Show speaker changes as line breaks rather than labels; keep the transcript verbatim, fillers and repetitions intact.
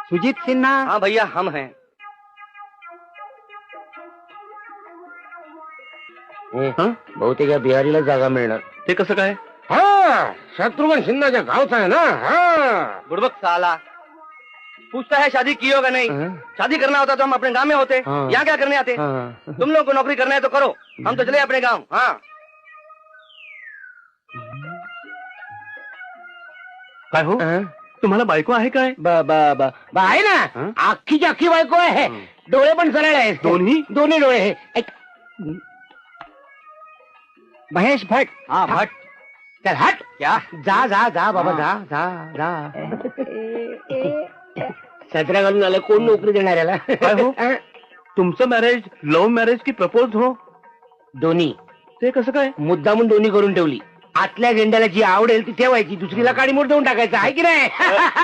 सुजीत सिन्हा.
हाँ भैया हम हैं.
बहुतेक या बिहारीला जागा मिळणार.
ते कसं काय?
हा शत्रुघ्न सिन्हाच्या गावचा है ना. हाँ
बुड़बक साला पूछता है शादी की हो का नहीं. शादी करना होता तो हम अपने गांव में होते.
हाँ।
यहाँ क्या करने आते.
हाँ।
तुम लोग को नौकरी करना है तो करो, हम तो चले अपने गांव. हाँ काय हो, तुम्हाला बायको आहे काय?
बा बा बा बा आहे ना. अख्खीची अख्खी बायको आहे. डोळे पण सरळ आहेत.
दोन्ही
दोन्ही डोळे आहे. ऐक. महेश भट.
हाँ भट.
चल हट.
क्या?
जा जा जा बाबा जा जा जा. सतरा घालून आलं, कोण नोकरी देणार याला.
काय हो? तुमचं मॅरेज लव्ह मॅरेज की प्रपोज हो?
दोन्ही.
ते कसं काय?
मुद्दामून दोन्ही करून ठेवली. आतल्या झेंड्याला जी आवडेल ती ठेवायची, दुसरीला काडी मोड देऊन टाकायचं आहे की नाही.